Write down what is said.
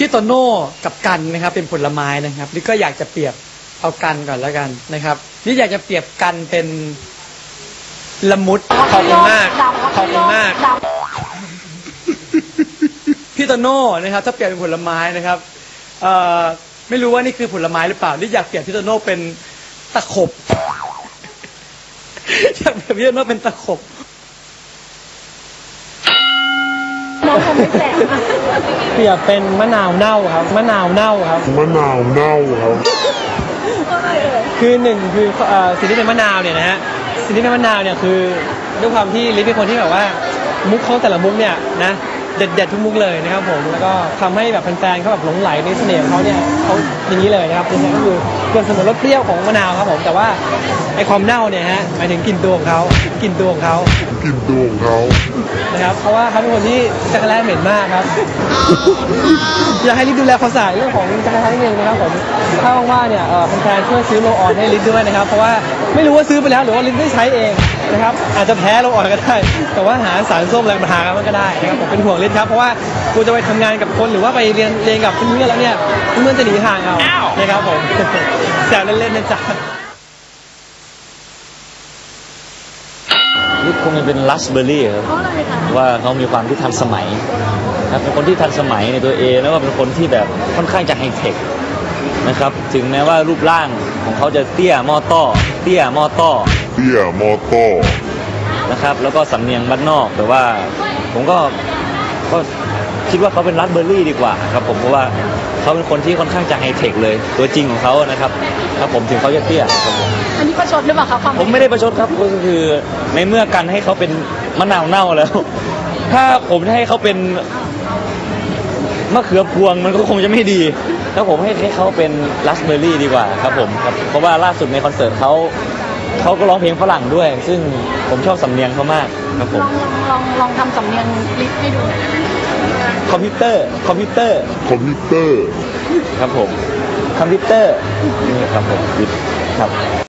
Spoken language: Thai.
พี่โตโน่กับกันนะครับเป็นผลไม้นะครับนี่ก็อยากจะเปรียบเอากันก่อนแล้วกันนะครับนี่อยากจะเปรียบกันเป็นละมุดขอบคุณมากขอบคุณมากพี่โตโน่นะครับถ้าเปรียบเป็นผลไม้นะครับไม่รู้ว่านี่คือผลไม้หรือเปล่านี่อยากเปรียบพี่โตโน่เป็นตะขบอยากเปรียบพี่โตโน่เป็นตะขบน้องคงไม่แปลกเปรียบเป็นมะนาวเน่าครับมะนาวเน่าครับมะนาวเน่าครับคือหนึ่งคือสิ่งที่เป็นมะนาวเนี่ยนะฮะสิ่งที่เป็นมะนาวเนี่ยคือด้วยความที่ลิฟเป็นคนที่แบบว่ามุกเขาแต่ละมุกเนี่ยนะเด็ดทุกมุกเลยนะครับผมแล้วก็ทำให้แบบแฟนๆเขาแบบหลงไหลในเสน่ห์ของเขาเนี่ยเขาอย่างนี้เลยนะครับนี่ก็คือเกือบเสมือนรสเปรี้ยวของมะนาวครับผมแต่ว่าไอความเน่าเนี่ยฮะหมายถึงกลิ่นตัวของเขานะครับเพราะว่าเขาเป็นคนที่จักรแร้เหม็นมากครับอยากให้ลิฟดูแลความสะอาดเรื่องของจักรแร้นิดนึงนะครับผมถ้าว่างๆเนี่ยแฟนๆช่วยซื้อโรลออนให้ลิฟด้วยนะครับเพราะว่าไม่รู้ว่าซื้อไปแล้วหรือว่าลิฟได้ใช้เองนะครับอาจจะแพ้โรลออนก็ได้แต่ว่าหาสารส้มอะไรมาทากันก็ได้นะครับผมเป็นห่วงลิฟครับเพราะว่ากูจะไปทำงานกับคนหรือว่าไปเรียนกับเพื่อนแล้วเนี่ยเพื่อนจะหนีห่างเอานะครับผมแซวเล่นๆนะจ๊ะลิฟคงจะเป็นราสเบอร์รี่ครับว่าเขามีความที่ทันสมัยครับเป็นคนที่ทันสมัยในตัวเองแล้วก็เป็นคนที่แบบค่อนข้างจะไฮเทคนะครับถึงแม้ว่ารูปร่างของเขาจะเตี้ยมอต้อนะครับแล้วก็สำเนียงบ้านนอกแต่ว่าผมก็คิดว่าเขาเป็นราสเบอร์รี่ดีกว่าครับผมเพราะว่าเขาเป็นคนที่ค่อนข้างจะไฮเทคเลยตัวจริงของเขานะครับผมถึงเขาจะเตี้ยครับผมอันนี้ประชดหรือเปล่าครับผมไม่ได้ประชดครับก็คือในเมื่อกันให้เขาเป็นมะนาวเน่าแล้วถ้าผมจะให้เขาเป็นมะเขือพวงมันก็คงจะไม่ดีถ้าผมให้เขาเป็นราสเบอร์รี่ดีกว่าครับผมครับเพราะว่าล่าสุดในคอนเสิร์ตเขาก็ร้องเพลงฝรั่งด้วยซึ่งผมชอบสำเนียงเขามากครับผมลองทำสำเนียงลิฟให้ดูคอมพิวเตอร์ครับผมคอมพิวเตอร์นี่ครับผมครับ